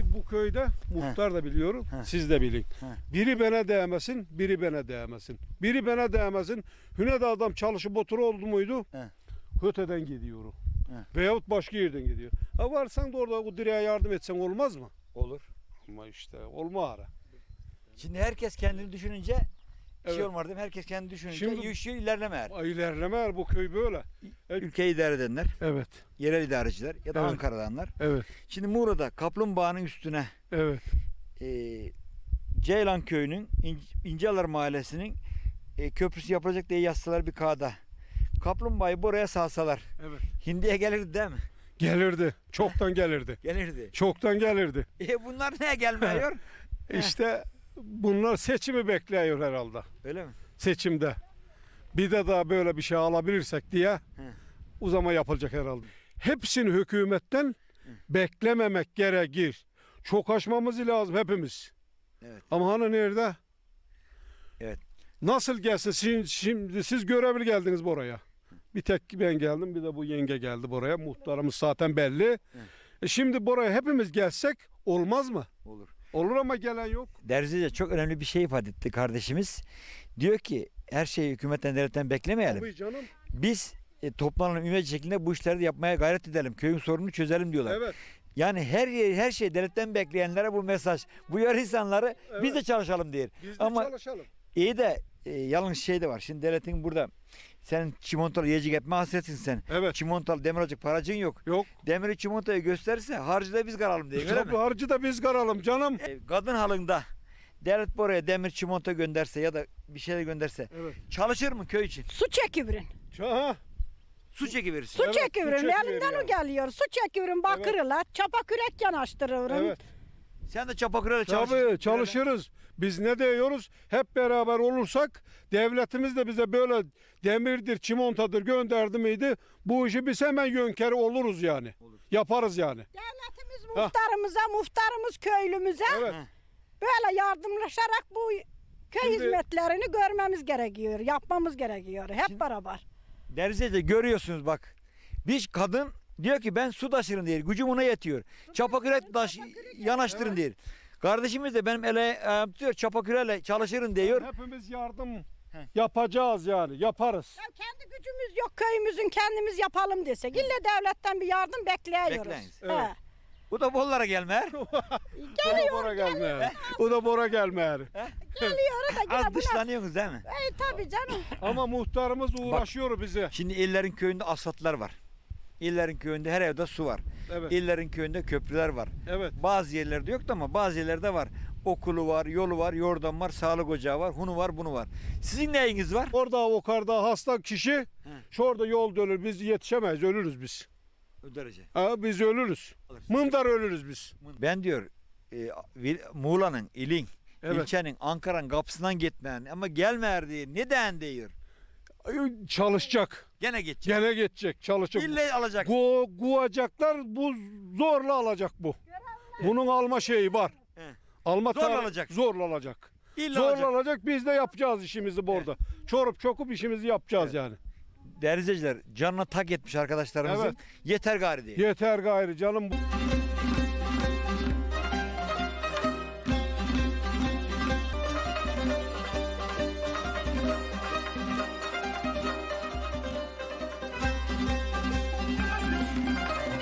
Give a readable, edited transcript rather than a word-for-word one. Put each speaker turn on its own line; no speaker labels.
bu köyde muhtar da biliyorum, siz de bilin. Biri bana değmesin, biri bana değmesin. Biri bana değmesin. Hüne de adam çalışıp otur oldu muydu? Höteden gidiyor o. Veyahut başka yerden gidiyor. Ha varsan da orada o direğe yardım etsen olmaz mı?
Olur.
Ama işte olma ara.
Şimdi herkes kendini düşününce bir şey
Evet.
olmaz değil mi? Herkes kendini düşününce
Şimdi-
yaşıyor, ilerlemer.
İlerleme bu köy böyle.
Ülkeyi idare edenler,
Evet,
yerel idareciler ya da
Evet.
Ankara'danlar.
evet,
Şimdi Muğla'da Kaplumbağa'nın üstüne
evet.
Ceylan Köyü'nün İncealar Mahallesi'nin köprüsü yapılacak diye yazsalar bir kağıda. Kaplumbağayı buraya salsalar.
Evet.
Hindiye gelirdi değil mi?
Gelirdi. Çoktan gelirdi.
Gelirdi.
Çoktan gelirdi.
Bunlar niye gelmiyor?
İşte bunlar seçimi bekliyor herhalde.
Öyle mi?
Seçimde. Bir de daha böyle bir şey alabilirsek diye o zaman yapılacak herhalde. Hepsini hükümetten beklememek gerekir. Çok aşmamız lazım hepimiz.
Evet.
Ama hani nerede?
Evet.
Nasıl gelsin? Şimdi siz görevli geldiniz buraya. Bir tek ben geldim, bir de bu yenge geldi buraya. Muhtarımız zaten belli. Şimdi buraya hepimiz gelsek olmaz mı?
Olur.
Olur ama gelen yok.
Derzice çok önemli bir şey ifade etti kardeşimiz. Diyor ki her şeyi hükümetten, devletten beklemeyelim.
Tabii canım.
Biz toplanalım ümmet şeklinde bu işleri de yapmaya gayret edelim. Köyün sorununu çözelim diyorlar.
Evet.
Yani her şeyi devletten bekleyenlere bu mesaj. Bu yarı insanları biz de çalışalım diyor.
Biz de
Ama
çalışalım.
iyi de yanlış şey de var. Şimdi devletin burada sen çimontalı yiyecek etme hasretsin sen.
Evet.
Çimontalı demir alacak paracın yok.
Yok.
Demiri çimontayı gösterirse harcı da biz karalım diye. Öyle
Tabii
mi?
harcı da biz karalım canım.
Kadın halında devlet buraya demir çimento gönderse ya da bir şeyler gönderse
Evet.
çalışır mı köy için?
Su çekiverin.
Ha,
Su çekiverirsin.
Su
Evet,
çekiverin.
su çekiverin
Elinden
yani.
o geliyor. Su çekiverin bakırla. Çapa kürek yanaştırıverin.
evet.
Sen de çapakırayla çalışırsın.
Tabii çalışırız. Biz ne diyoruz? Hep beraber olursak devletimiz de bize böyle demirdir, çimontadır gönderdi miydi? Bu işi biz hemen yönkeri oluruz yani.
Olur.
Yaparız yani.
Devletimiz muhtarımız köylümüze
Evet.
böyle yardımlaşarak bu köy
Şimdi-
hizmetlerini görmemiz gerekiyor. Yapmamız gerekiyor. Hep beraber.
Derzece görüyorsunuz bak. Bir kadın diyor ki ben su taşırım diyor. Gücüm ona yetiyor. Çapakürek yanaştırın diyor. Kardeşimiz de benim ele ayağım tutuyor. Çapaküreyle çalışırım diyor.
Hepimiz yardım yapacağız yani. Yaparız.
Ya kendi gücümüz yok köyümüzün kendimiz yapalım desek. İlle devletten bir yardım bekliyoruz.
Bekleyiz.
He.
Bu da bollara gelmer.
O da bora gelmeyer. O da bora gelmeyer.
Geliyor da yine
Az
buna.
dışlanıyorsunuz değil mi?
Tabii canım.
Ama muhtarımız uğraşıyor bize.
Şimdi illerin köyünde asfaltlar var. İllerin köyünde her evde su var.
Evet.
İllerin köyünde köprüler var.
Evet.
Bazı yerlerde yoktu ama bazı yerlerde var. Okulu var, yolu var, yordam var, sağlık ocağı var, hunu var, bunu var. Sizin neyiniz var?
Orada o karda hasta kişi şurada yol dönür. Biz yetişemeyiz. Ölürüz biz.
O derece.
Ha, biz ölürüz.
Alırsın.
Mındar ölürüz biz.
Ben diyor Muğla'nın, ilin,
Evet.
ilçenin, Ankara'nın kapısından gitmeyen ama gelmeyer diye. Neden diyor?
Çalışacak.
Gene geçecek.
Gene geçecek. Çalışacak.
İlle alacak.
Guacaklar bu zorla alacak bu. Bunun alma şeyi var.
He.
Alma
Zorla
tarihi-
alacak.
Zorla alacak.
İlle
Zorla
alacak.
alacak. Biz de yapacağız işimizi burada. Çorup çokup işimizi yapacağız yani.
Değerli izleyiciler, canına tak etmiş arkadaşlarımızın.
Evet.
Yeter gari diye.
Yeter gayrı canım.